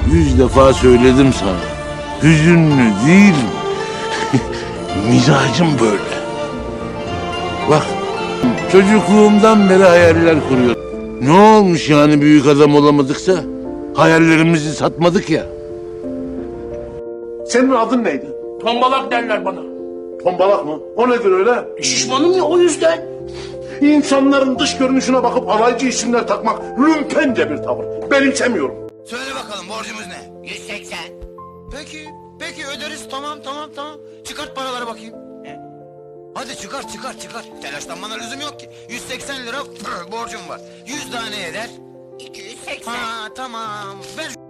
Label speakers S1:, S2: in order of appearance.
S1: 100 defa söyledim sana. Hüzünlü değil. Mizacım böyle. Bak, çocukluğumdan beri hayaller kuruyorum. Ne olmuş yani büyük adam olamadıksa? Hayallerimizi satmadık ya.
S2: Senin adın neydi?
S3: Tombalak derler bana.
S2: Tombalak mı? O nedir öyle?
S3: Şişmanım ya o yüzden.
S2: İnsanların dış görünüşüne bakıp alaycı isimler takmak lümpence bir tavır. Benimsemiyorum.
S4: Söyle bakalım borcumuz ne?
S5: 180.
S4: Peki öderiz tamam. Çıkart paraları bakayım. Hadi çıkar. Telaşlanmana lüzum yok ki. 180 lira borcum var. 100 tane eder.
S5: 280.
S4: Ha tamam. Ver